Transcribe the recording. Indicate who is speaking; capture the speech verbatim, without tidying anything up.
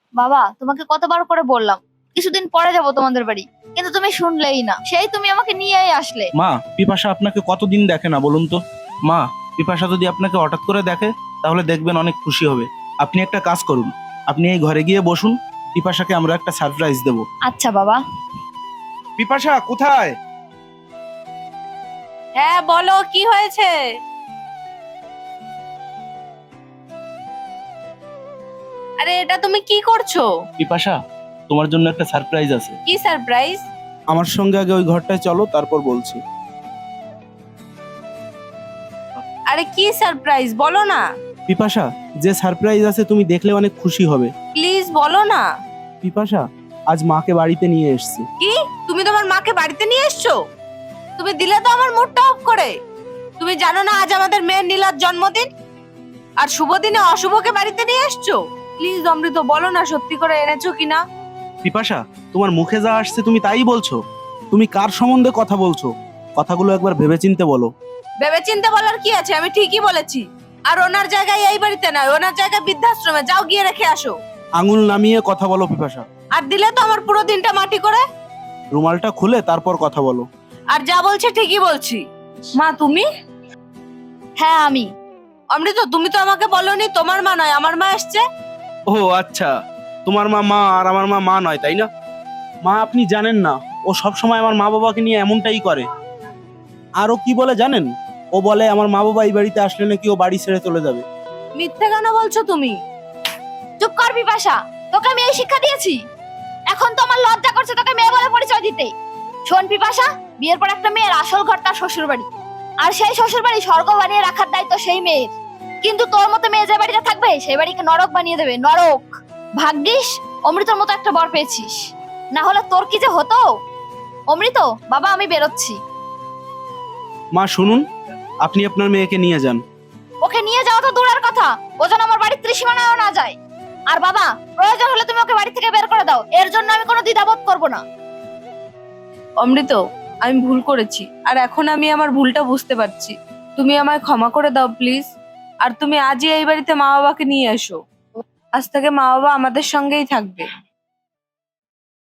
Speaker 1: বাবা, তোমাকে কতবার করে বললাম কিছুদিন পরে যাব তোমাদের বাড়ি, কিন্তু তুমি শুনলেই না। সেই তুমি আমাকে নিয়েই আসলে।
Speaker 2: মা, পিপাসা আপনাকে কতদিন দেখে না বলুন তো? মা, পিপাসা যদি আপনাকে হঠাৎ করে দেখে তাহলে দেখবেন অনেক খুশি হবে। আপনি একটা কাজ করুন, আপনি এই ঘরে গিয়ে বসুন, পিপাসাকে আমরা একটা সারপ্রাইজ দেব।
Speaker 1: আচ্ছা বাবা।
Speaker 2: পিপাসা কোথায়?
Speaker 3: হ্যাঁ বলো, কি হয়েছে? আরে এটা তুমি কি করছো?
Speaker 2: পিপাসা, তোমার জন্য একটা সারপ্রাইজ আছে।
Speaker 3: কি সারপ্রাইজ?
Speaker 2: আমার সঙ্গে আগে ওই ঘরটায় চলো, তারপর বলছি।
Speaker 3: আরে কি সারপ্রাইজ বলো না।
Speaker 2: পিপাসা, যে সারপ্রাইজ আছে তুমি দেখলে অনেক খুশি হবে।
Speaker 3: প্লিজ বলো না।
Speaker 2: পিপাসা, আজ মাকে বাড়িতে নিয়ে এসেছি।
Speaker 3: কি? তুমি তোমার মাকে বাড়িতে নিয়ে এসছো? তুমি দিলে তো আমার মুডটা অফ করে। তুমি জানো না আজ আমাদের মেয়ের নীলার জন্মদিন, আর শুভ দিনে অশুভকে বাড়িতে নিয়ে এসছো? প্লিজ অমৃত বলো না সত্যি করে এনেছো কিনা।
Speaker 2: পিপাসা, তোমার মুখে যা আসছে তুমি তাই বলছো। তুমি কার সম্বন্ধে কথা বলছো? কথাগুলো একবার ভেবেচিন্তে বলো।
Speaker 3: ভেবে চিন্তে বলার কি আছে, আমি ঠিকই বলেছি। আর ওনার জায়গায় এই বাড়িতে নয়, ওনার জায়গায় বৃদ্ধাশ্রমে যাও, গিয়ে রেখে আসো।
Speaker 2: আঙুল নামিয়ে কথা বলো পিপাসা।
Speaker 3: আর দিলে তো আমার পুরো দিনটা মাটি করে।
Speaker 2: রুমালটা খুলে তারপর কথা বলো।
Speaker 3: আর যা বলছে ঠিকই বলছি। মা তুমি?
Speaker 1: হ্যাঁ আমি।
Speaker 3: অমৃত তুমি তো আমাকে বলোনি তোমার মা নয় আমার মা এসছে।
Speaker 2: ও আচ্ছা, তোমার মা মা আর আমার মা মা নয়, তাই না? মা, আপনি জানেন না, ও সব সময় আমার মা বাবাকে নিয়ে এমনটাই করে। আরও কি বলে জানেন? ও বলে আমার মা বাবা এই বাড়িতে আসলে নাকি ও বাড়ি ছেড়ে চলে যাবে।
Speaker 3: মিথ্যে কেন বলছো তুমি?
Speaker 1: চুপ কর বিপাশা, তোকে আমি এই শিক্ষা দিয়েছি? এখন তো আমার লজ্জা করছে তোকে মেয়ে বলে পরিচয় দিতে। শোন পিপাসা, বিয়ের পর একটা মেয়ের আসল ঘর তার শ্বশুর বাড়ি, আর সেই শ্বশুর বাড়ি স্বর্গ বানিয়ে রাখার দায়িত্ব সেই মেয়ের। কিন্তু তোর মতো মেয়ে যে বাড়িতে থাকবে সেই বাড়িকে নরক বানিয়ে দেবে, নরক। ভাগ্যিস অমৃতর মতো একটা বর পেয়েছিস, না হলে তোর কি যে হতো। অমৃত বাবা, আমি বেরোচ্ছি।
Speaker 2: মা শুনুন, আপনি আপনার মেয়েকে নিয়ে যান।
Speaker 1: ওকে নিয়ে যাওয়া তো দূরের কথা, ও যেন আমার বাড়ির ত্রিসীমানায়ও না যায়। আর বাবা, প্রয়োজন হলে তুমি ওকে বাড়ি থেকে বের করে দাও, এর জন্য আমি কোনো দ্বিধাবোধ করবো না।
Speaker 3: অমৃত, আমি ভুল করেছি, আর এখন আমি আমার ভুলটা বুঝতে পারছি। তুমি আমায় ক্ষমা করে দাও প্লিজ। আর তুমি আজই এই বাড়িতে মা বাবাকে নিয়ে এসো। আজ থেকে মা বাবা আমাদের সঙ্গেই থাকবে।